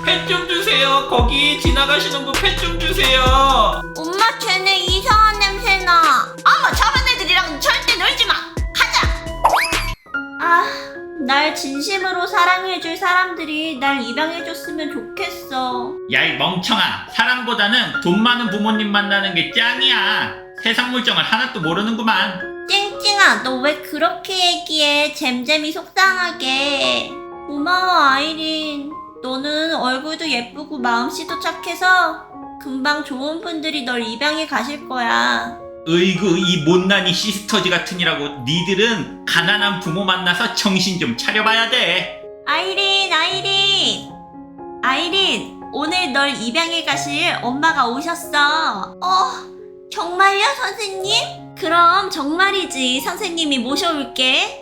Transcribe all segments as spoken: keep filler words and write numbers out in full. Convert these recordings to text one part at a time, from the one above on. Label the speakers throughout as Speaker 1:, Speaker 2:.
Speaker 1: 펫 좀 주세요. 거기 지나가시는 분 펫 좀 주세요.
Speaker 2: 엄마 쟤네 이상한 냄새나. 어머 저런 애들이랑 절대 놀지마. 가자. 아, 날 진심으로 사랑해줄 사람들이 날 입양해줬으면 좋겠어.
Speaker 1: 야, 이 멍청아. 사랑보다는 돈 많은 부모님 만나는 게 짱이야. 세상 물정을 하나도 모르는구만.
Speaker 2: 찡찡아 너 왜 그렇게 얘기해. 잼잼이 속상하게. 고마워 아이린. 너는 얼굴도 예쁘고 마음씨도 착해서 금방 좋은 분들이 널 입양해 가실 거야.
Speaker 1: 으이구, 이 못난이 시스터즈 같으니라고. 니들은 가난한 부모 만나서 정신 좀 차려봐야 돼.
Speaker 2: 아이린 아이린 아이린 오늘 널 입양해 가실 엄마가 오셨어. 어 정말요 선생님? 그럼 정말이지. 선생님이 모셔올게.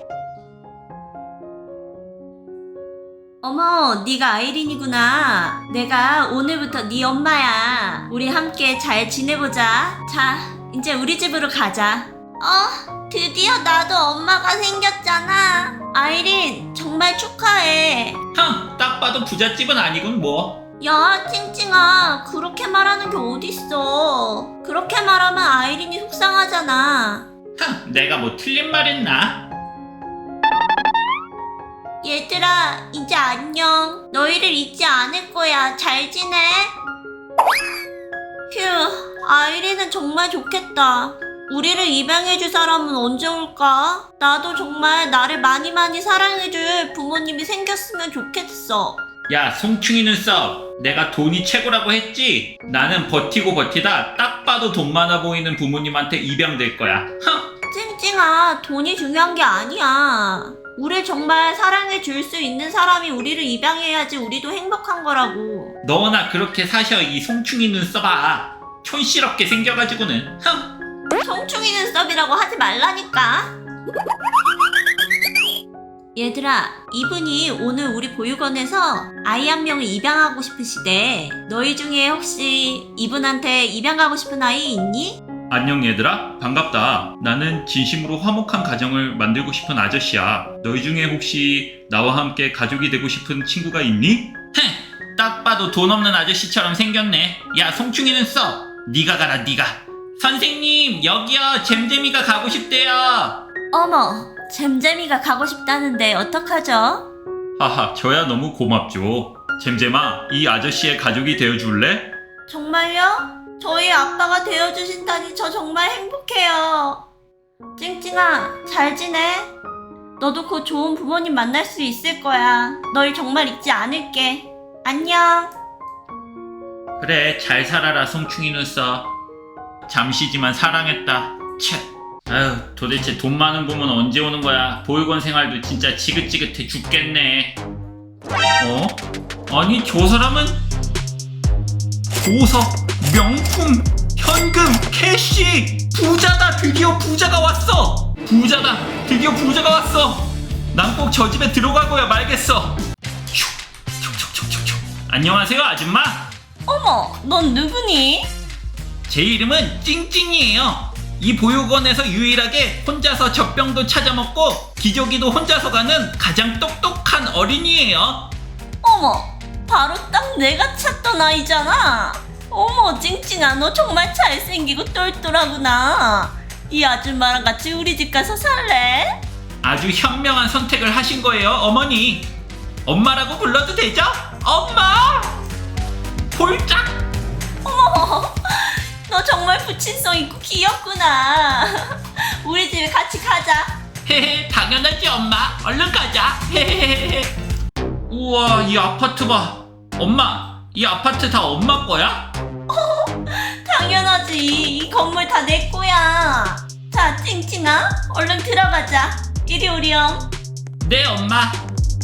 Speaker 2: 어머 네가 아이린이구나. 내가 오늘부터 네 엄마야. 우리 함께 잘 지내보자. 자 이제 우리 집으로 가자. 어 드디어 나도 엄마가 생겼잖아. 아이린 정말 축하해.
Speaker 1: 흥, 딱 봐도 부잣집은 아니군 뭐.
Speaker 2: 야 찡찡아 그렇게 말하는 게 어딨어. 그렇게 말하면 아이린이 속상하잖아.
Speaker 1: 흥, 내가 뭐 틀린 말 했나?
Speaker 2: 얘들아 이제 안녕. 너희를 잊지 않을 거야. 잘 지내? 휴 아이린은 정말 좋겠다. 우리를 입양해줄 사람은 언제 올까? 나도 정말 나를 많이 많이 사랑해줄 부모님이 생겼으면 좋겠어.
Speaker 1: 야, 송충이 눈썹. 내가 돈이 최고라고 했지? 나는 버티고 버티다 딱 봐도 돈 많아 보이는 부모님한테 입양될 거야. 흥!
Speaker 2: 찡찡아 돈이 중요한 게 아니야. 우릴 정말 사랑해줄 수 있는 사람이 우리를 입양해야지 우리도 행복한 거라고.
Speaker 1: 너나 그렇게 사셔, 이 송충이 눈썹아. 촌스럽게 생겨가지고는. 흥!
Speaker 2: 송충이 눈썹이라고 하지 말라니까. 얘들아 이분이 오늘 우리 보육원에서 아이 한 명을 입양하고 싶으시대. 너희 중에 혹시 이분한테 입양 가고 싶은 아이 있니?
Speaker 1: 안녕 얘들아, 반갑다. 나는 진심으로 화목한 가정을 만들고 싶은 아저씨야. 너희 중에 혹시 나와 함께 가족이 되고 싶은 친구가 있니? 헤, 딱 봐도 돈 없는 아저씨처럼 생겼네. 야, 송충이 눈썹, 네가 가라 네가. 선생님 여기요, 잼잼이가 가고 싶대요.
Speaker 2: 어머 잼잼이가 가고 싶다는데 어떡하죠?
Speaker 1: 하하, 저야 너무 고맙죠. 잼잼아, 이 아저씨의 가족이 되어줄래?
Speaker 2: 정말요? 저희 아빠가 되어주신다니 저 정말 행복해요. 찡찡아 잘 지내? 너도 곧 좋은 부모님 만날 수 있을 거야. 널 정말 잊지 않을게. 안녕.
Speaker 1: 그래, 잘 살아라 송충이 눈썹. 잠시지만 사랑했다. 채. 아유, 도대체 돈 많은 부모는 언제 오는 거야? 보육원 생활도 진짜 지긋지긋해 죽겠네. 어? 아니 저 사람은 보석, 명품, 현금, 캐시, 부자다. 드디어 부자가 왔어. 부자다. 드디어 부자가 왔어. 난 꼭 저 집에 들어가고야 말겠어. 휴, 촉촉촉촉촉. 안녕하세요 아줌마.
Speaker 2: 어머 넌 누구니?
Speaker 1: 제 이름은 찡찡이에요. 이 보육원에서 유일하게 혼자서 젖병도 찾아먹고 기저귀도 혼자서 가는 가장 똑똑한 어린이에요.
Speaker 2: 어머 바로 딱 내가 찾던 아이잖아. 어머 찡찡아 너 정말 잘생기고 똘똘하구나. 이 아줌마랑 같이 우리 집 가서 살래?
Speaker 1: 아주 현명한 선택을 하신 거예요 어머니. 엄마라고 불러도 되죠? 엄마! 폴짝!
Speaker 2: 어머 너 정말 부친성 있고 귀엽구나. 우리 집에 같이 가자.
Speaker 1: 헤헤, 당연하지 엄마. 얼른 가자. 헤헤헤헤. 우와, 이 아파트 봐. 엄마, 이 아파트 다 엄마 거야?
Speaker 2: 당연하지. 이 건물 다 내 거야. 자 찡찡아 얼른 들어가자. 이리 오렴.
Speaker 1: 네 엄마.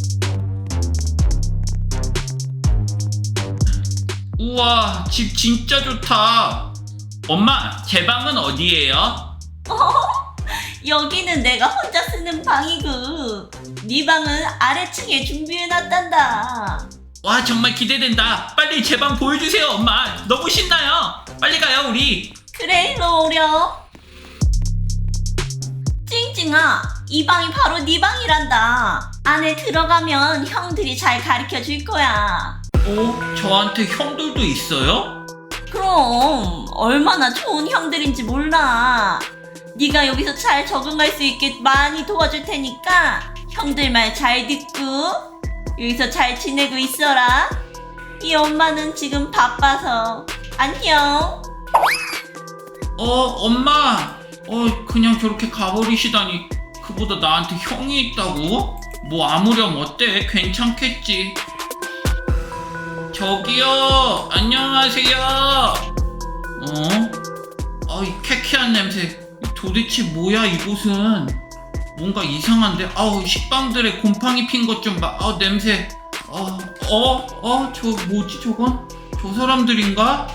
Speaker 1: 우와, 집 진짜 좋다. 엄마, 제 방은 어디예요?
Speaker 2: 여기는 내가 혼자 쓰는 방이고 네 방은 아래층에 준비해놨단다.
Speaker 1: 와, 정말 기대된다. 빨리 제 방 보여주세요 엄마. 너무 신나요. 빨리 가요 우리.
Speaker 2: 그래 일로 오렴. 찡찡아 이 방이 바로 네 방이란다. 안에 들어가면 형들이 잘 가르쳐 줄 거야.
Speaker 1: 어? 저한테 형들도 있어요?
Speaker 2: 그럼 얼마나 좋은 형들인지 몰라. 네가 여기서 잘 적응할 수 있게 많이 도와줄 테니까 형들 말 잘 듣고 여기서 잘 지내고 있어라. 이 엄마는 지금 바빠서 안녕.
Speaker 1: 어, 엄마. 어, 그냥 저렇게 가버리시다니. 그보다 나한테 형이 있다고? 뭐 아무렴 어때? 괜찮겠지. 저기요, 안녕하세요. 어? 아, 이 쾌쾌한 냄새. 도대체 뭐야 이곳은? 뭔가 이상한데? 아우, 식빵들의 곰팡이 핀 것 좀 봐. 아우, 냄새. 어, 어, 어, 저 뭐지 저건? 저 사람들인가?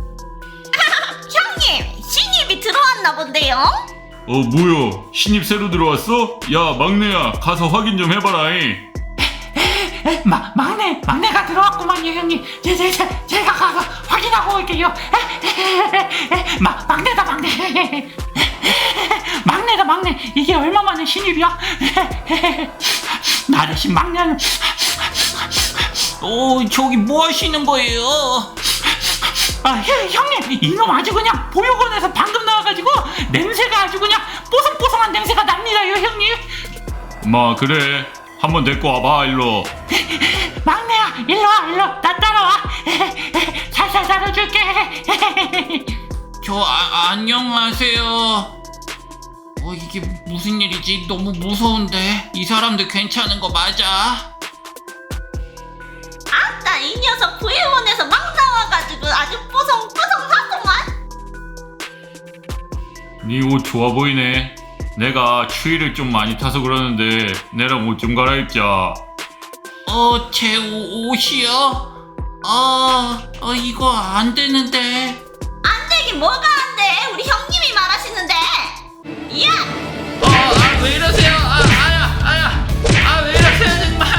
Speaker 2: 형님, 신입이 들어왔나 본데요?
Speaker 3: 어 뭐야 신입 새로 들어왔어? 야 막내야 가서 확인 좀 해봐라 이.
Speaker 4: 에, 마, 막내, 막내가 들어왔구만요, 형님. 제, 제, 제, 제가 가서 확인하고 올게요. 에, 에, 에, 에, 마, 막내다, 막내. 에, 에, 막내다, 막내. 이게 얼마 만에 신입이야? 에, 에, 나 대신 막내는.
Speaker 1: 오, 저기 뭐 하시는 거예요?
Speaker 4: 아, 형, 형님, 이놈 아주 그냥 보육원에서 방금 나와가지고 냄새가 아주 그냥 뽀송뽀송한 냄새가 납니다요, 형님.
Speaker 3: 마 그래 한번 데리고 와봐 일로.
Speaker 4: 막내야, 일로 와, 일로. 나 따라와. 살살 다뤄줄게.
Speaker 1: 저 아, 안녕하세요. 어, 이게 무슨 일이지? 너무 무서운데. 이 사람들 괜찮은 거 맞아?
Speaker 2: 아따, 이 녀석 구일원에서 막 나와가지고 아주 뽀송뽀송하구만.
Speaker 3: 네 옷 좋아 보이네. 내가 추위를 좀 많이 타서 그러는데 내랑 옷 좀 갈아입자.
Speaker 1: 어, 제 오, 옷이요? 아, 어, 이거 안 되는데.
Speaker 2: 안 되긴 뭐가 안 돼. 우리 형님이 말하시는데. 야!
Speaker 1: 어, 아, 왜 이러세요? 아, 아야, 아야. 아, 왜 이러세요, 정말.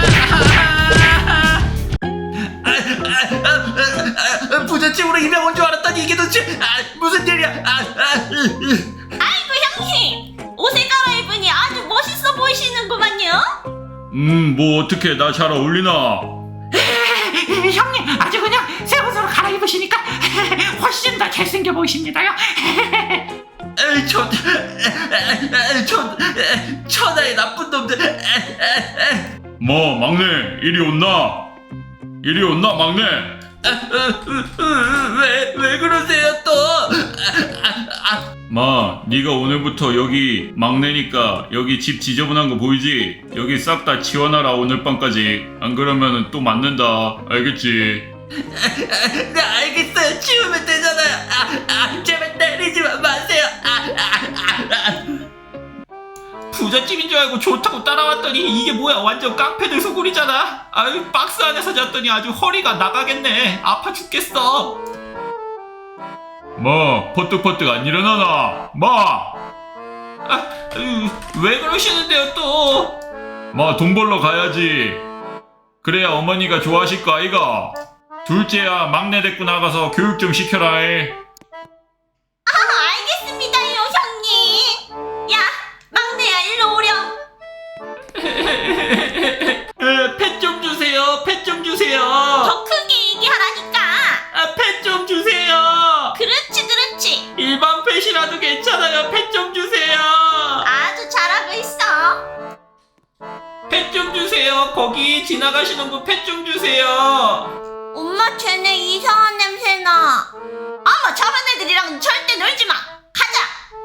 Speaker 1: 아, 아, 아, 아, 부잣집으로 이명 온 줄 알았더니 이게 도대체 아, 무슨 일이야? 아, 아, 으, 으.
Speaker 2: 아이고, 형님. 옷을 갈아입으니 아주 멋있어 보이시는구만요.
Speaker 3: 음 뭐 어떻게 나 잘 어울리나?
Speaker 4: 형님, 아주 그냥 새 옷으로 갈아입으시니까 훨씬 더 잘생겨 보이십니다요.
Speaker 1: 에이, 저, 에, 에, 저, 에, 천하의 나쁜 놈들. 에, 에, 에.
Speaker 3: 뭐 막내 이리 온나? 이리 온나 막내?
Speaker 1: 아, 으, 으, 으, 왜, 왜 그러세요 또? 아, 아,
Speaker 3: 마 네가 오늘부터 여기 막내니까 여기 집 지저분한 거 보이지? 여기 싹 다 치워놔라 오늘 밤까지. 안 그러면은 또 맞는다 알겠지?
Speaker 1: 네, 알겠어요. 치우면 되잖아요. 아, 아, 제발 때리지 마- 마세요. 아, 아, 아, 아. 부잣집인 줄 알고 좋다고 따라왔더니 이게 뭐야? 완전 깡패들 소굴이잖아. 아유, 박스 안에서 잤더니 아주 허리가 나가겠네. 아파 죽겠어.
Speaker 3: 마 퍼뜩퍼뜩 안 일어나나? 마!
Speaker 1: 아, 으, 왜 그러시는데요 또?
Speaker 3: 마 돈 벌러 가야지. 그래야 어머니가 좋아하실 거 아이가? 둘째야 막내 데리고 나가서 교육 좀 시켜라 이.
Speaker 2: 아, 알겠습니다요, 형님. 야, 막내야, 일로 오렴.
Speaker 1: 펫 좀 주세요. 펫 좀 주세요.
Speaker 2: 더 크게 얘기하라니까.
Speaker 1: 아, 펫 좀 주세요.
Speaker 2: 그렇지, 그렇지.
Speaker 1: 일반 펫이라도 괜찮아요. 펫 좀 주세요.
Speaker 2: 아주 잘하고 있어.
Speaker 1: 펫 좀 주세요. 거기 지나가시는 분 펫 좀 주세요.
Speaker 2: 엄마, 쟤네 이상한 냄새 나. 어머, 저런 애들이랑 절대 놀지 마. 가자.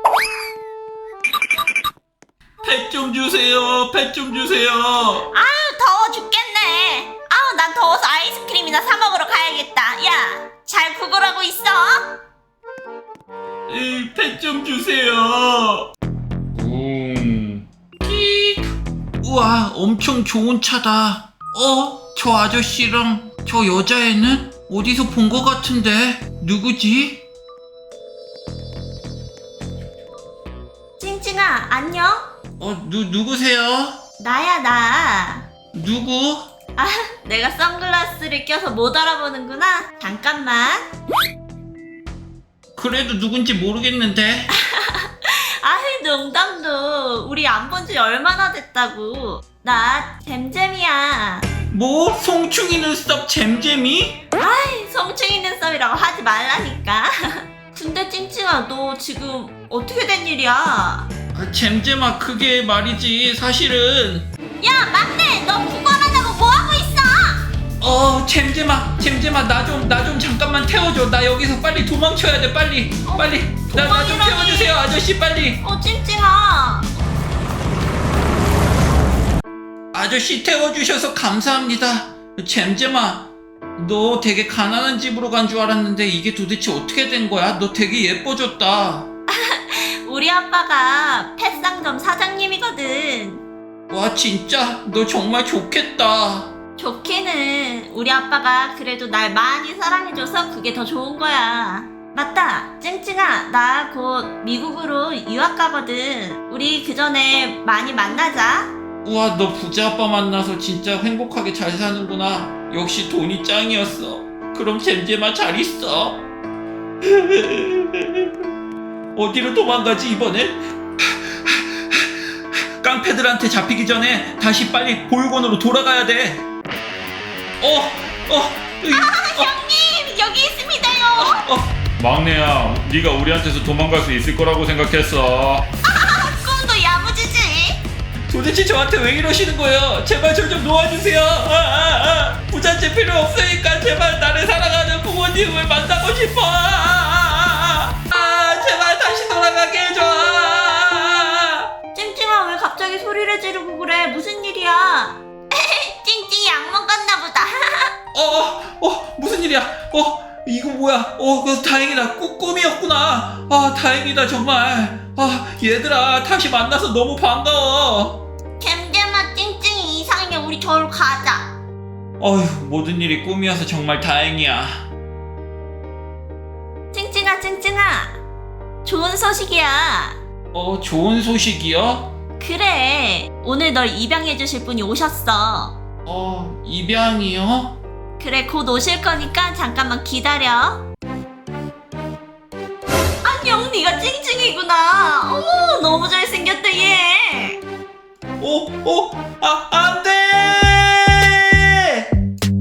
Speaker 1: 펫 좀 주세요. 펫 좀 주세요.
Speaker 2: 아유, 더워 죽겠네. 아우, 난 더워서 아이스크림이나 사 먹으러 가야겠다. 야, 잘 구걸하고 있어.
Speaker 1: 펫 좀 주세요.
Speaker 3: 음.
Speaker 1: 우와, 엄청 좋은 차다. 어? 저 아저씨랑 저 여자애는 어디서 본 것 같은데 누구지?
Speaker 2: 찡찡아, 안녕.
Speaker 1: 어, 누, 누구세요?
Speaker 2: 나야, 나.
Speaker 1: 누구?
Speaker 2: 아, 내가 선글라스를 껴서 못 알아보는구나. 잠깐만.
Speaker 1: 그래도 누군지 모르겠는데.
Speaker 2: 아이, 농담도. 우리 안 본 지 얼마나 됐다고. 나 잼잼이야.
Speaker 1: 뭐? 송충이 눈썹 잼잼이?
Speaker 2: 성충이 눈썹이라고 하지 말라니까. 근데 찡찡아, 너 지금 어떻게 된 일이야?
Speaker 1: 아, 잼잼아, 그게 말이지 사실은.
Speaker 2: 야, 막내, 너 구걸하다고 뭐 하고 있어?
Speaker 1: 어, 잼잼아, 잼잼아, 나 좀 나 좀 잠깐만 태워줘. 나 여기서 빨리 도망쳐야 돼. 빨리 빨리 나 나 좀
Speaker 2: 도망이라니.
Speaker 1: 태워주세요, 아저씨. 빨리.
Speaker 2: 어, 찡찡아.
Speaker 1: 아저씨 태워주셔서 감사합니다. 잼잼아, 너 되게 가난한 집으로 간 줄 알았는데 이게 도대체 어떻게 된 거야? 너 되게 예뻐졌다.
Speaker 2: 우리 아빠가 펫상점 사장님이거든.
Speaker 1: 와, 진짜 너 정말 좋겠다.
Speaker 2: 좋기는 우리 아빠가 그래도 날 많이 사랑해줘서 그게 더 좋은 거야. 맞다, 찡찡아, 나 곧 미국으로 유학 가거든. 우리 그 전에 많이 만나자.
Speaker 1: 우와, 너 부자 아빠 만나서 진짜 행복하게 잘 사는구나. 역시 돈이 짱이었어. 그럼 잼잼아, 잘 있어. 어디로 도망가지 이번엔? 깡패들한테 잡히기 전에 다시 빨리 보육원으로 돌아가야 돼. 어, 어, 으이,
Speaker 2: 형님, 여기 있습니다요.
Speaker 1: 어.
Speaker 3: 막내야, 네가 우리한테서 도망갈 수 있을 거라고 생각했어.
Speaker 2: 꿈도 야무지지.
Speaker 1: 도대체 저한테 왜 이러시는 거예요? 제발 저 좀 놓아주세요. 아, 아, 아. 부잣집 필요 없으니까 제발 나를 사랑하는 부모님을 만나고 싶어. 아, 아, 아, 아. 아, 제발 다시 돌아가게 해줘. 아.
Speaker 2: 찡찡아, 왜 갑자기 소리를 지르고 그래? 무슨 일이야? 찡찡이 약 먹었나 보다.
Speaker 1: 어, 어, 무슨 일이야? 어, 이거 뭐야? 어, 그 다행이다. 꿈, 꿈이었구나. 아, 다행이다 정말. 아, 얘들아, 다시 만나서 너무 반가워.
Speaker 2: 잼잼아, 찡찡이 이상해. 우리 저로 가자.
Speaker 1: 어휴, 모든 일이 꿈이어서 정말 다행이야.
Speaker 2: 찡찡아, 찡찡아. 좋은 소식이야.
Speaker 1: 어, 좋은 소식이요?
Speaker 2: 그래, 오늘 널 입양해 주실 분이 오셨어.
Speaker 1: 어, 입양이요?
Speaker 2: 그래, 곧 오실 거니까 잠깐만 기다려. 안녕, 네가 찡찡이구나. 어머, 너무 잘생겼다 얘.
Speaker 1: 어, 어, 아, 아,